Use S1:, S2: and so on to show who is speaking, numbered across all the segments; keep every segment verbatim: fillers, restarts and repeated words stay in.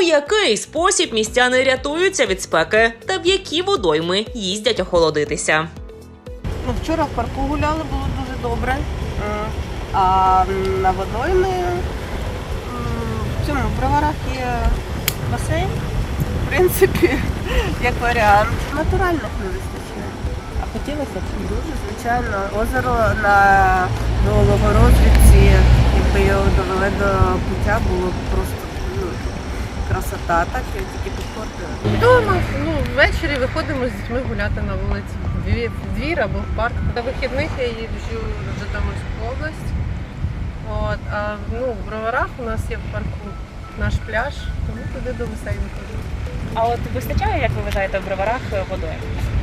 S1: який спосіб містяни рятуються від спеки та в які водойми їздять охолодитися.
S2: Ну, вчора в парку гуляли, було дуже добре. А на водойми в цьому в Броварах є басейн. В принципі, як варіант. Натуральних не вистачає. А хотілося б? Дуже, звичайно. Озеро на Новорозвідці, якби його довели до пуття, було просто ну, красота, так і тільки підпортили.
S3: Вдома, ну, ввечері виходимо з дітьми гуляти на вулиці. Дві- В двір або в парк. На вихідних я їжджу в Житомирську область. От, а ну, в Броварах у нас є в парку наш пляж, тому туди до басейну ходжу.
S4: А от вистачає, як ви вважаєте, в Броварах водою?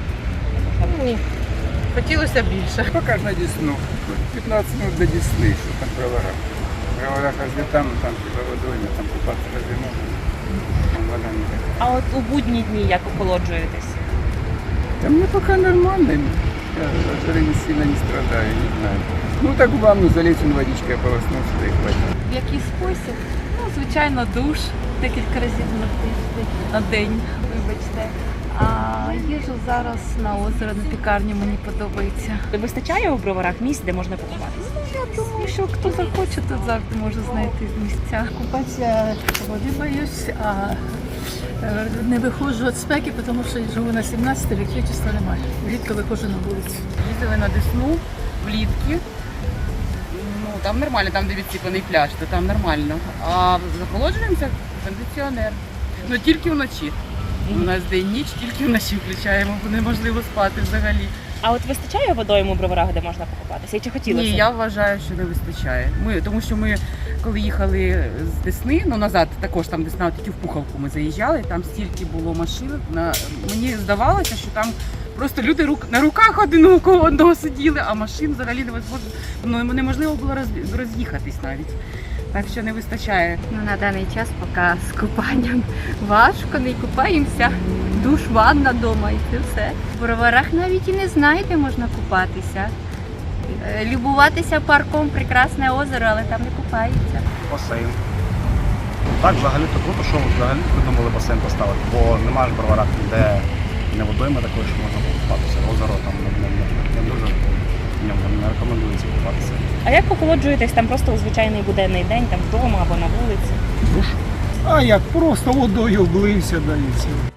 S3: Ні. Хотілося б більше.
S5: Пока ж на Десну. пятнадцать минут до Десны, что там в Броварах. В Броварах разве там, там типа водойма, там купаться разве можно? Там вода не такая.
S4: А от у будні дні як охолоджуєтесь?
S5: Да мне пока нормально. Я от жары не сильно не страдаю, не знаю. Ну так в ванну залезть, он водичкой ополоснуться, да и хватит.
S6: В який спосіб? Ну, звичайно, душ декілька разів на тиждень, на день, вибачте. А їжу зараз на озеро, на пікарню мені подобається.
S4: Вистачає у Броварах місць, де можна покупатися?
S6: Я думаю, що хто захоче, тут завжди може знайти місця. Купатися води боюсь, а е, не виходжу від спеки, тому що я живу на сімнадцятій, електричества немає. Рідко виходжу на вулицю.
S7: Їздили на Десну влітки. Ну, там нормально, там де відсипаний пляж, то там нормально. А захолоджуємося кондиціонер. Ну тільки вночі. У нас день-ніч, тільки вночі включаємо, бо неможливо спати взагалі.
S4: А от вистачає водойм у Броварах, де можна покупатися? І чи хотілося?
S7: Ні, я вважаю, що не вистачає. Ми, тому що ми, коли їхали з Десни, ну назад також там Десна, тільки в Пуховку ми заїжджали, там стільки було машин. На... Мені здавалося, що там просто люди рук... на руках один у кого одного сиділи, а машин взагалі невозможно, ну, неможливо було роз... роз'їхатись навіть. Так що не вистачає.
S8: Ну, на даний час поки з купанням важко, не купаємося. Душ, ванна вдома і це все. В Броварах навіть і не знаю, де можна купатися. Е, Любуватися парком, прекрасне озеро, але там не купаються.
S9: Басейн. Так, взагалі-то круто, що взагалі придумали басейн поставити, бо немає ж в Броварах ніде не водойми такої, що можна купатися. Озеро там не, не, не, не дуже в ньому не рекомендується купатися.
S4: А як охолоджуєтесь там просто у звичайний буденний день, там вдома або на вулиці?
S9: Душ.
S10: А як просто водою облився, да і все.